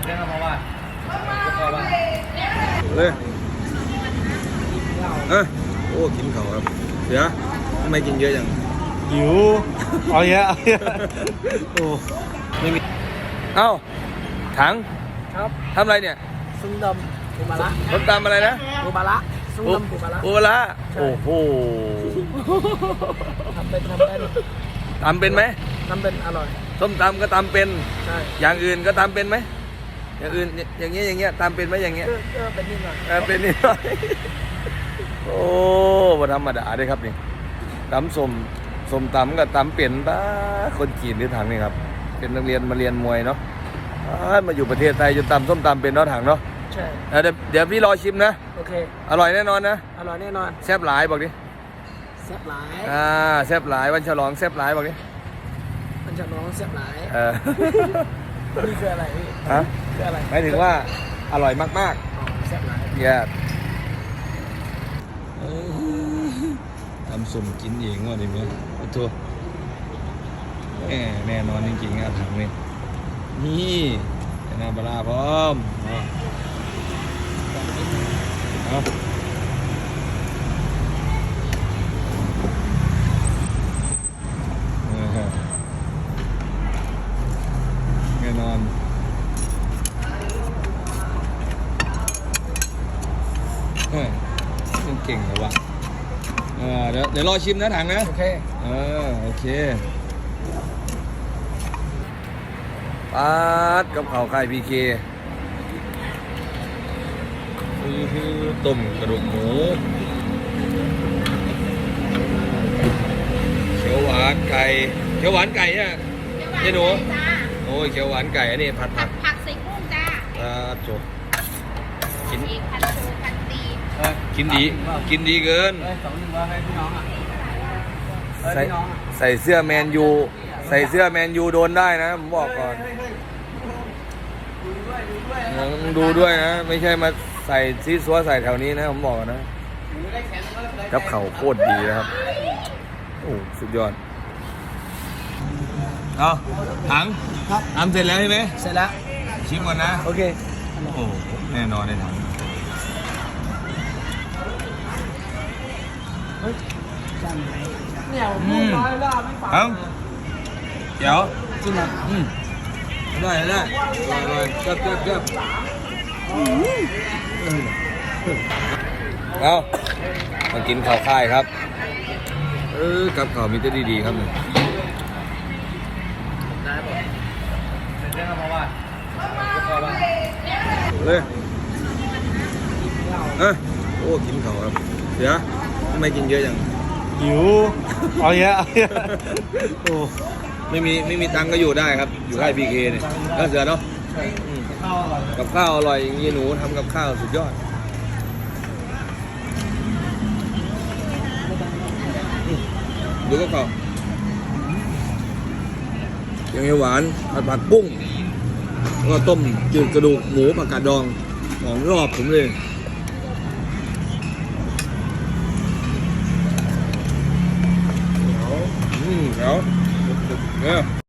เลยโอ้กินเขาครับเดี๋ยวทำไมกินเยอะจังหิวเอาเยอะโอ้ไม่มีเอ้าถังครับทำอะไรเนี่ยซุ่มดำปูมาละต้มตำอะไรนะปูมาละซุ่มดำปูมาละปูมาละโอ้โหทำเป็นตำเป็นไหมทำเป็นอร่อยส้มตำก็ตำเป็นใช่อย่างอื่นก็ตำเป็นไหมอย่างอื่นอย่างเงี้ยตำเป็นไหมอย่างเงี้ยเป็นนิดหน่อยเป็นนิดหน่อยโอ้บ่ธรรมดาด้วยครับนี่ตำส้มตำกับตำเป็นป้าคนจีนที่ถังนี่ครับเป็นนักเรียนมาเรียนมวยเนาะมาอยู่ประเทศไทยจนตำส้มตำเป็นเนาะถังเนาะใช่เดี๋ยวพี่รอชิมนะโอเคอร่อยแน่นอนนะอร่อยแน่นอนแซ่บหลายบอกดิแซ่บหลายแซ่บหลายวันฉลองแซ่บหลายบอกดิวันฉลองแซ่บหลายนี่คืออะไรพี่ฮะคืออะไรหมายถึงว่าอร่อยมากๆแซ่บหลายเย้ทำสุ่มกินเองว่ะดิเมื่อตัวแน่นอนจริงๆอ่ะถังนี่นี่น้ำปลาพร้อมเอาแน่นอนมันเก่งเหรอวะเดี๋ยวรอชิมนะถังนะโอเคโอเคป๊าดกับข้าวไข่พีเคต้มกระดูกหมูเขียวหวานไก่เนี่ยเจ๊หนูโอ้ยเขียวหวานไก่อันนี้ผัดผักใส่กุ้งจ้าจบกินพันชูพันตีกินดีเกินใส่เสื้อแมนยูโดนได้นะผมบอกก่อนดูด้วยนะไม่ใช่มาใส่ซีซัวใส่แถวนี้นะผมบอกนะกับเข่าโคตรดีนะครับโอ้สุดยอดเอาถังทำเสร็จแล้วใช่ไหมเสร็จแล้วชิมก่อนนะโอเคโอ้แน่นอนในถังเนี่ยพูดน้อยล่าไม่ฟังเดี๋ยวจริงเหรอได้เกือบเอามากินข้าวค่ายครับกับข้าวมีแต่ดีๆครับเนี่ยได้ป่ะเป็นเพราะว่าเลยโอ้กินข้าวครับเดี๋ยวทำไมกินเยอะจังหิวเอาเยอะโอ้ไม่มีตังก็อยู่ได้ครับอยู่ค่ายพีเคเนี่ยก็เสือเนาะกับข้าวอร่อยอย่างนี้หนูทำกับข้าวสุดยอดดูก็ข้าวยังไงหวานผัดปุ้งก็ต้มจืดกระดูกหมูผักกาดดองของรอบผมเลยเดี๋ยว